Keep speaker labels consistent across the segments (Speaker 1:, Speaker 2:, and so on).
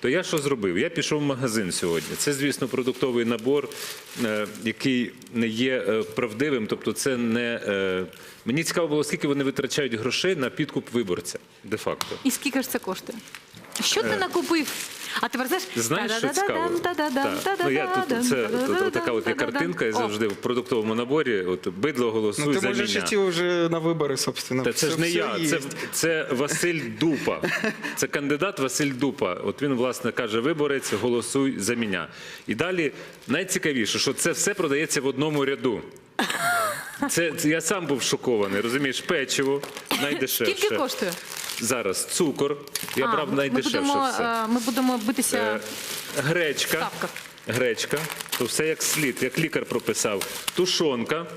Speaker 1: то я що зробив? Я пішов в магазин сьогодні. Це, звісно, продуктовий набор, який не є правдивим, тобто це не... Мені цікаво було, скільки вони витрачають грошей на підкуп виборця, де-факто.
Speaker 2: І скільки ж це коштує? Що ти накупив? А тепер
Speaker 1: Знаєш, що цікаво? Це така от є картинка, і завжди в продуктовому наборі, от бидло голосуй за
Speaker 3: Ты
Speaker 1: мене.
Speaker 3: можешь идти уже на выборы, собственно.
Speaker 1: Та це ж не я, це Василь Дупа. Це кандидат Василь Дупа. От він, власне, каже, виборець, голосуй за мене. І далі найцікавіше, що це все продається в одному ряду. Я сам був шокований, розумієш, печиво, найдешевше.
Speaker 2: Скільки коштує?
Speaker 1: Зараз цукор, я брав найдешевше все.
Speaker 2: Ми будемо битися
Speaker 1: Гречка,
Speaker 2: ставка.
Speaker 1: гречка, то все як слід, як лікар прописав. Тушонка,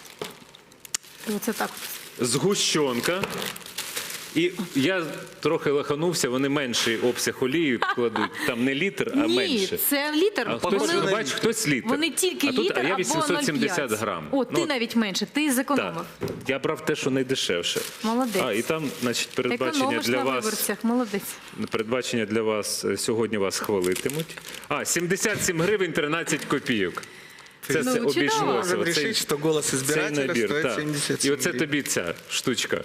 Speaker 2: Це так.
Speaker 1: згущенка. І я трохи лаханувся, вони менший обсяг олії кладуть. Там не літр, а менше.
Speaker 2: Ні, це літр.
Speaker 1: А хтось,
Speaker 2: Вони-
Speaker 1: бач, хтось літр.
Speaker 2: Вони тільки
Speaker 1: а тут,
Speaker 2: літр
Speaker 1: а я
Speaker 2: або
Speaker 1: 870
Speaker 2: 0,5.
Speaker 1: грам.
Speaker 2: О, ти навіть менше, ти зекономив.
Speaker 1: Так, я брав те, що найдешевше.
Speaker 2: Молодець.
Speaker 1: А, і там, значить, передбачення
Speaker 2: Економиш
Speaker 1: для
Speaker 2: на
Speaker 1: вас.
Speaker 2: виборцях, молодець.
Speaker 1: Передбачення для вас, сьогодні вас хвалитимуть. 77 гривень 13 копійок. Це
Speaker 2: Ну,
Speaker 1: все
Speaker 2: чудово.
Speaker 1: обійшлося.
Speaker 3: Можем
Speaker 1: Оцей-
Speaker 3: решить, что голос
Speaker 1: цей
Speaker 3: избирателя
Speaker 1: набір,
Speaker 3: стоит
Speaker 1: так.
Speaker 3: 77
Speaker 1: І оце
Speaker 3: гривен.
Speaker 1: тобі ця штучка.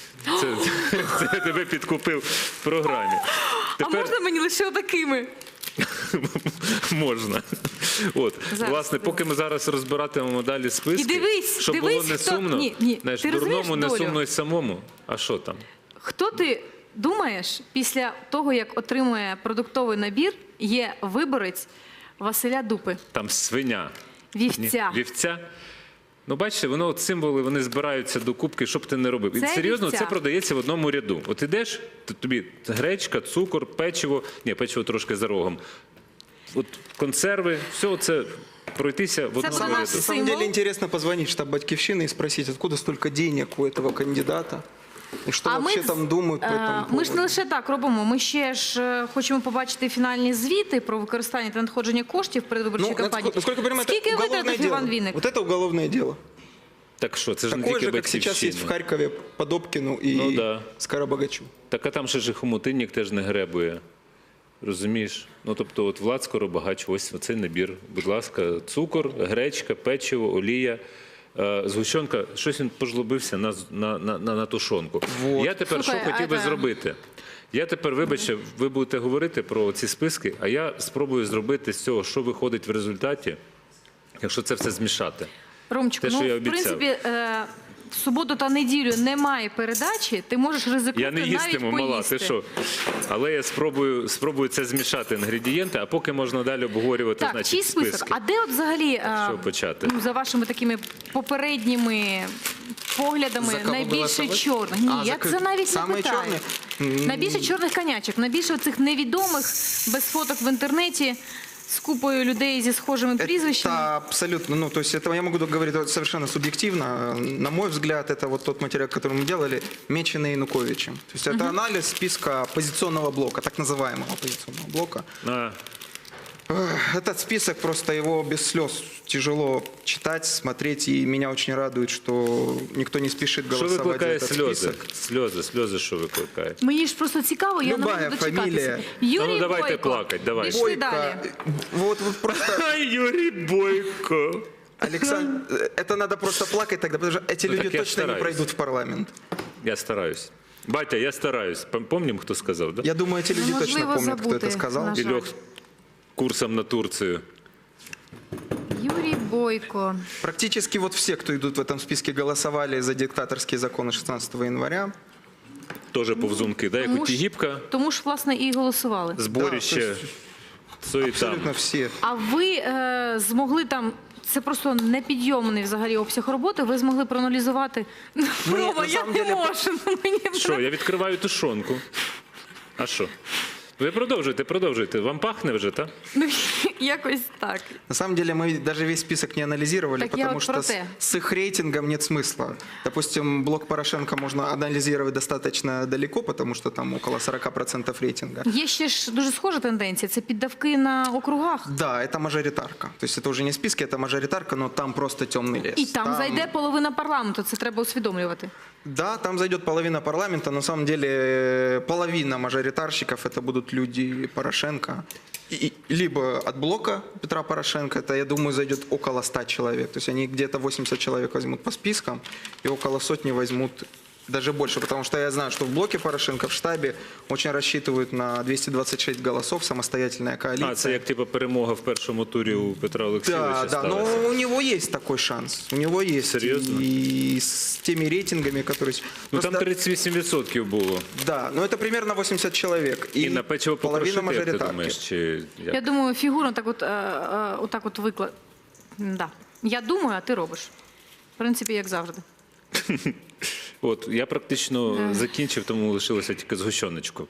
Speaker 1: Це я тебе підкупив в програмі.
Speaker 2: А можна мені лише отакими?
Speaker 1: Можна. От,
Speaker 2: Зараз,
Speaker 1: власне, поки ми зараз розбиратимемо далі списки,
Speaker 2: І дивись,
Speaker 1: щоб
Speaker 2: дивись,
Speaker 1: було не
Speaker 2: хто-
Speaker 1: сумно,
Speaker 2: Ні,
Speaker 1: знаєш,
Speaker 2: ти розумієш
Speaker 1: дурному не
Speaker 2: долю?
Speaker 1: сумно й самому. А що там?
Speaker 2: Хто ти думаєш, після того, як отримує продуктовий набір, є виборець Василя Дупи?
Speaker 1: Там свиня.
Speaker 2: Вівця.
Speaker 1: Ні, вівця. Ну, бачите, воно от символи, вони збираються до кубки, що б ти не робив. І
Speaker 2: Це
Speaker 1: серйозно,
Speaker 2: вівця.
Speaker 1: це продається в одному ряду. От ідеш, тобі гречка, цукор, печиво, ні, печиво трошки за рогом. От консерви, все це пройтися в одному
Speaker 2: про
Speaker 1: ряду.
Speaker 2: нас.
Speaker 3: На самом
Speaker 2: Символ.
Speaker 3: деле интересно позвонить в штаб Батьковщины и спросить, откуда столько денег у этого кандидата. И что вообще там думают по этому
Speaker 2: Ми ж не
Speaker 3: поводу.
Speaker 2: лише так робимо, ми ще ж хочемо побачити фінальні звіти про використання та надходження коштів в передвиборчій кампанії.
Speaker 3: насколько я понимаю,
Speaker 2: Скільки
Speaker 3: это уголовное
Speaker 2: витратив
Speaker 3: дело.
Speaker 2: Іван Вінник?
Speaker 3: Вот это уголовное дело.
Speaker 1: Так що, це ж не
Speaker 3: Такое
Speaker 1: тільки
Speaker 3: же, как сейчас есть в
Speaker 1: Батьківщина.
Speaker 3: Харькове по Добкину и
Speaker 1: Ну да.
Speaker 3: Скоробогачу.
Speaker 1: Так а там ще ж і хомутинник теж не гребує. Розумієш? Ну, тобто, от Влад Скоробагач, ось оцей набір. Будь ласка, цукор, гречка, печиво, олія, згущенка. Щось він пожлобився на тушонку.
Speaker 3: Вот.
Speaker 1: Я тепер
Speaker 2: Слухай,
Speaker 1: що хотів би
Speaker 2: а це-
Speaker 1: зробити? Я тепер, вибачте, ви будете говорити про ці списки, а я спробую зробити з цього, що виходить в результаті, якщо це все змішати.
Speaker 2: Ромчику,
Speaker 1: Те, що
Speaker 2: ну,
Speaker 1: я
Speaker 2: в
Speaker 1: обіцяв.
Speaker 2: принципі, в суботу та неділю немає передачі, ти можеш ризикнути
Speaker 1: Я не
Speaker 2: навіть
Speaker 1: їстиму, мала,
Speaker 2: поїсти.
Speaker 1: ти що? Але я спробую це змішати інгредієнти, а поки можна далі обговорювати,
Speaker 2: Так,
Speaker 1: значить,
Speaker 2: чий список?
Speaker 1: списки.
Speaker 2: А де от взагалі,
Speaker 1: Що почати?
Speaker 2: ну, за вашими такими попередніми поглядами,
Speaker 3: За кого
Speaker 2: найбільше
Speaker 3: голосувати?
Speaker 2: чорних? Ні,
Speaker 3: А,
Speaker 2: я
Speaker 3: за
Speaker 2: це навіть не
Speaker 3: саме
Speaker 2: питаю.
Speaker 3: чорні?
Speaker 2: Найбільше чорних конячок, найбільше цих невідомих, без фоток в інтернеті, з купою людей зі схожими прізвищами.
Speaker 3: Это абсолютно, ну, то есть это я могу говорить совершенно субъективно. На мой взгляд, это вот тот материал, который мы делали, меченый Януковичем. То есть это анализ списка оппозиционного блока, так называемого оппозиционного блока.
Speaker 1: А,
Speaker 3: Этот список, просто его без слез тяжело читать, смотреть, и меня очень радует, что никто не спешит
Speaker 1: що
Speaker 3: голосовать за
Speaker 1: викликає
Speaker 3: этот
Speaker 1: сльози?
Speaker 3: список.
Speaker 1: Сльози, що викликає?
Speaker 2: Мені ж просто цікаво, я не
Speaker 3: Любая
Speaker 2: можу дочекатися.
Speaker 3: фамілія.
Speaker 2: Юрій
Speaker 1: Ну, давайте
Speaker 2: Бойко.
Speaker 1: плакать, давай.
Speaker 2: Пішли
Speaker 3: Бойко,
Speaker 2: далі.
Speaker 3: вот просто,
Speaker 1: Ай, Юрій Бойко.
Speaker 3: Александр, это надо просто плакать тогда, потому что эти
Speaker 1: Ну,
Speaker 3: люди
Speaker 1: так я
Speaker 3: точно не
Speaker 1: стараюсь.
Speaker 3: пройдут в парламент.
Speaker 1: Я стараюсь. Батя, я стараюсь. Помним, хто сказав, да?
Speaker 3: Я думаю, эти люди
Speaker 2: Ну,
Speaker 3: точно
Speaker 2: можливо,
Speaker 3: помнят, кто
Speaker 2: забути,
Speaker 3: это сказал.
Speaker 2: на жаль.
Speaker 1: І льох курсом на Турцію.
Speaker 2: Юрій Бойко.
Speaker 3: Практически вот все, кто идут в этом списке, голосовали за диктаторские законы 16 января.
Speaker 1: Теж повзунки, да? Як у Тігіпка,
Speaker 2: Тому ж, власне, і голосували.
Speaker 1: зборище,
Speaker 3: Да,
Speaker 1: суєта.
Speaker 3: Абсолютно все.
Speaker 2: А ви змогли там, це просто непідйомний взагалі обсяг роботи, ви змогли проаналізувати? Рома,
Speaker 3: на
Speaker 2: я
Speaker 3: самом
Speaker 2: не
Speaker 3: деле,
Speaker 2: можу. ну, Мені
Speaker 1: Що, я відкриваю тушонку. А що? Ви продовжуйте. Вам пахне вже, так?
Speaker 2: Ну, якось так.
Speaker 3: На самом деле мы даже весь список не анализировали,
Speaker 2: Так я
Speaker 3: потому
Speaker 2: вот
Speaker 3: что
Speaker 2: про
Speaker 3: с,
Speaker 2: те.
Speaker 3: с их рейтингом нет смысла. Допустим, блок Порошенко можно анализировать достаточно далеко, потому что там около 40% рейтинга.
Speaker 2: Є ще ж дуже схожа тенденція, це піддавки на округах.
Speaker 3: Да, это мажоритарка. То есть это уже не списки, это мажоритарка, но там просто темный лес.
Speaker 2: І там зайде половина парламенту, це треба усвідомлювати.
Speaker 3: Да, там зайдет половина парламента. На самом деле половина мажоритарщиков это будут люди Порошенко. Либо от блока Петра Порошенко, это, я думаю, зайдет около 100 человек. То есть они где-то 80 человек возьмут по спискам и около сотни возьмут даже больше. Потому что я знаю, что в блоке Порошенко в штабе очень рассчитывают на 226 голосов, самостоятельная коалиция.
Speaker 1: А, це як типу перемога в першому турі у Петра Олексійовича
Speaker 3: Да, да, но
Speaker 1: сталася?
Speaker 3: у него есть такой шанс. У него есть.
Speaker 1: Серьезно?
Speaker 3: И с теми рейтингами, которые...
Speaker 1: Ну там
Speaker 3: Просто-
Speaker 1: 38% було.
Speaker 3: Да, но это примерно 80 человек.
Speaker 1: І на печиво
Speaker 3: половина
Speaker 1: покрошити, як ти
Speaker 3: мажоритарки.
Speaker 1: думаєш? Чи як?
Speaker 2: Я думаю, фігурно так от виклад. Да. Я думаю, а ти робиш. В принципі, як завжди.
Speaker 1: От, я практично закінчив, тому лишилося тільки згущеночку.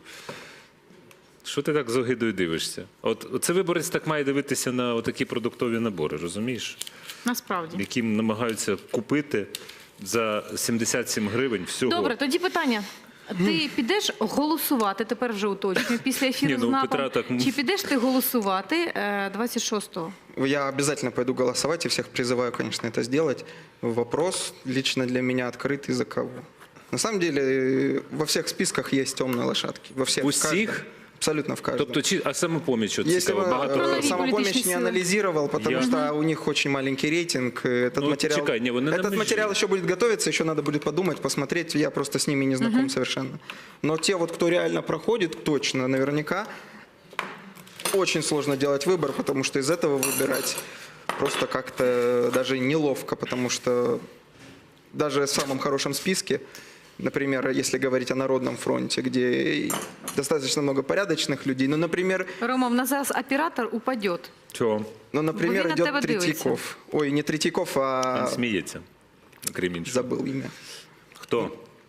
Speaker 1: Що ти так з огидою дивишся? Це виборець так має дивитися на такі продуктові набори, розумієш?
Speaker 2: Насправді.
Speaker 1: Які намагаються купити за 77 гривень всього.
Speaker 2: Добре, тоді питання. Ти підеш голосувати, тепер вже уточнюю, після ефіру
Speaker 1: Ні, ну,
Speaker 2: з
Speaker 1: у
Speaker 2: НАПом.
Speaker 1: Петра так-
Speaker 2: Чи підеш ти голосувати 26-го?
Speaker 3: Я обязательно пойду голосовать и всех призываю, конечно, это сделать. Вопрос лично для меня открытый за кого. На самом деле во всех списках есть темные лошадки. Во всех.
Speaker 1: У
Speaker 3: в каждом.
Speaker 1: всіх?
Speaker 3: Абсолютно в каждом.
Speaker 1: Тобто, а самопоміч, от
Speaker 3: Если
Speaker 1: цікаво,
Speaker 3: бы
Speaker 1: багато
Speaker 2: Про нові
Speaker 1: хто-
Speaker 3: самопомощь
Speaker 2: політичні
Speaker 3: не
Speaker 2: сили.
Speaker 3: анализировал, потому
Speaker 1: Я-
Speaker 3: что у них очень маленький рейтинг. Этот
Speaker 1: Ну,
Speaker 3: материал,
Speaker 1: чекай, не, вони на
Speaker 3: этот
Speaker 1: межі.
Speaker 3: материал еще будет готовиться, еще надо будет подумать, посмотреть. Я просто с ними не знаком совершенно. Но те, вот, кто реально проходит, точно, наверняка, очень сложно делать выбор, потому что из этого выбирать просто как-то даже неловко, потому что даже в самом хорошем списке, например, если говорить о Народном фронте, где достаточно много порядочных людей, ну, например,
Speaker 2: Рома, в нас зараз оператор упаде.
Speaker 1: Чого?
Speaker 3: ну, например,
Speaker 2: Бо він на тебе
Speaker 3: идет
Speaker 2: дивиться.
Speaker 3: Третьяков. Ой, не Третьяков, а
Speaker 1: Він сміється, крім іншого.
Speaker 3: забыл имя.
Speaker 1: Хто?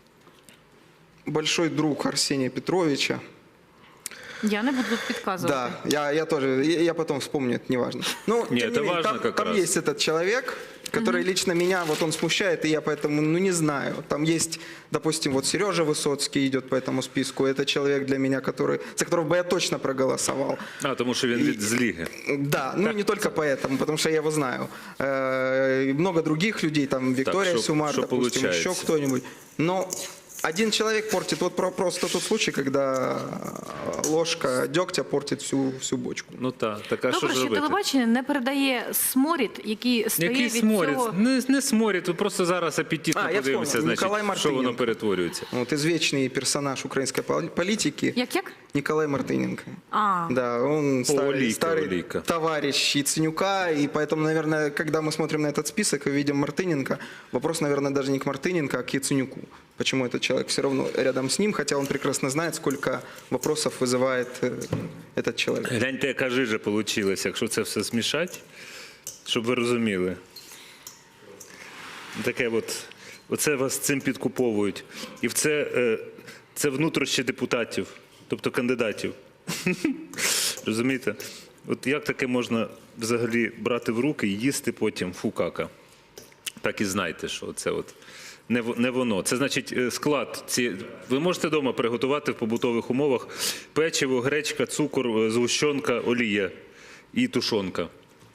Speaker 3: Большой друг Арсения Петровича.
Speaker 2: Я не буду тут підказувати.
Speaker 3: Да, я тоже, я потом вспомню, это неважно. Ну,
Speaker 1: Не,
Speaker 3: тем
Speaker 1: это
Speaker 3: менее,
Speaker 1: важно
Speaker 3: там,
Speaker 1: как
Speaker 3: там
Speaker 1: раз.
Speaker 3: есть этот человек, который лично меня, вот он смущает, и я поэтому, ну, не знаю. Там есть, допустим, вот Сережа Высоцкий идет по этому списку, это человек для меня, который, за которого бы я точно проголосовал.
Speaker 1: А, тому що він від з Ліги.
Speaker 3: Да, ну не только поэтому, потому что я его знаю. Много других людей, там Виктория
Speaker 1: шо-
Speaker 3: Сюмар,
Speaker 1: шо
Speaker 3: допустим,
Speaker 1: получается?
Speaker 3: еще кто-нибудь. Но один человек портит, вот просто тот случай, когда ложка дегтя портит всю бочку.
Speaker 1: Ну так, а що
Speaker 2: Добре,
Speaker 1: ж
Speaker 2: що
Speaker 1: робити?
Speaker 2: телебачення не передає сморід, який стає
Speaker 1: Який
Speaker 2: від
Speaker 1: сморід?
Speaker 2: цього.
Speaker 1: Не сморід, тут просто зараз апетитно
Speaker 3: А, я
Speaker 1: подивимося,
Speaker 3: вспомнил,
Speaker 1: значить,
Speaker 3: Николай
Speaker 1: що воно
Speaker 3: Мартиненко.
Speaker 1: перетворюється.
Speaker 3: Вот извечный персонаж украинской политики
Speaker 2: Як?
Speaker 3: Николай Мартыненко.
Speaker 2: А,
Speaker 3: Да, он
Speaker 1: Олейка,
Speaker 3: старый
Speaker 1: Олейка.
Speaker 3: товарищ Яценюка, и поэтому, наверное, когда мы смотрим на этот список и видим Мартыненко, вопрос, наверное, даже не к Мартыненко, а к Яценюку. Почему этот человек все равно рядом с ним, хотя он прекрасно знает, сколько вопросов вызывает этот человек.
Speaker 1: Гляньте, яка жижа вийшла, якщо це все змішати, щоб ви розуміли. Таке оце вас цим підкуповують. І це внутрішні депутатів, тобто кандидатів. Розумієте? От як таке можна взагалі брати в руки і їсти потім фукака? Так і знайте, що це от не воно. Це значить склад. Ви можете вдома приготувати в побутових умовах печиво, гречка, цукор, згущенка, олія і тушонка.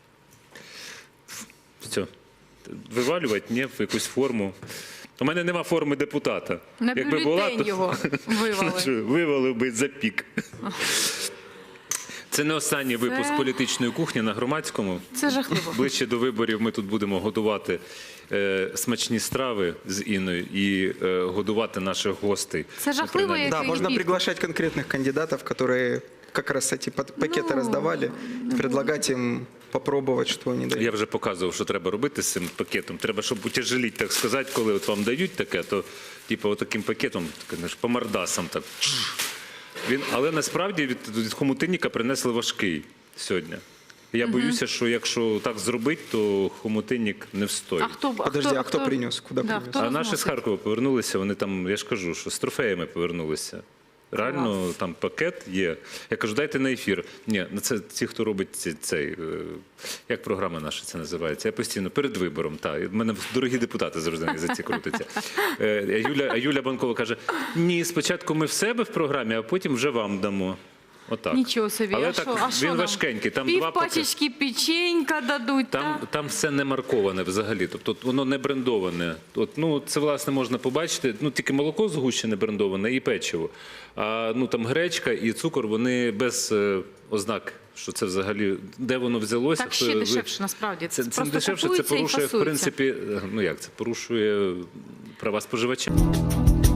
Speaker 1: Все. Вивалювати, ні, в якусь форму. У мене нема форми депутата.
Speaker 2: на бюлетень його вивали.
Speaker 1: Вивалив би запік. Це не останній випуск політичної кухні на Громадському.
Speaker 2: Це жахливо.
Speaker 1: Ближче до виборів ми тут будемо готувати смачні страви з Інною і годувати наших гостей.
Speaker 2: Це жахливо,
Speaker 1: Принаймні.
Speaker 2: як
Speaker 3: Да, можно
Speaker 2: Египет.
Speaker 3: приглашать конкретных кандидатов, которые как раз эти пакеты раздавали, предлагать им попробовать, что они дают.
Speaker 1: Я вже показував, що треба робити з цим пакетом. Треба, щоб утяжеліть, так сказати, коли от вам дають таке, то типу отаким пакетом, по мордасам так. Але насправді від хомутинника принесли важкий сьогодні. Я боюся, що якщо так зробити, то хомутинник не встоїть.
Speaker 3: Подожди, а хто принес? Куди принес?
Speaker 2: хто
Speaker 1: А наші
Speaker 2: розносить?
Speaker 1: з Харкова повернулися, вони там, я ж кажу, що з трофеями повернулися. Реально, там пакет є. Я кажу, дайте на ефір. Ні, це ті, хто робить цей, як програма наша це називається. Я постійно перед вибором. У мене дорогі депутати завжди на язиці крутяться. А Юля Банкова каже, ні, спочатку ми в себе в програмі, а потім вже вам дамо. Отак.
Speaker 2: Нічого собі.
Speaker 1: Але
Speaker 2: а
Speaker 1: так,
Speaker 2: що, а що
Speaker 1: він
Speaker 2: нам?
Speaker 1: важкенький. Там
Speaker 2: Пів
Speaker 1: два
Speaker 2: пачечки печенька дадуть,
Speaker 1: Там все не марковане взагалі, тобто воно не брендоване. Це, власне, можна побачити, тільки молоко згущене брендоване і печиво. А там гречка і цукор, вони без ознак, що це взагалі, де воно взялося.
Speaker 2: Так ще дешевше, насправді.
Speaker 1: Це
Speaker 2: Просто
Speaker 1: дешевше, це
Speaker 2: купується і
Speaker 1: порушує, в
Speaker 2: фасується.
Speaker 1: принципі, це порушує права споживача.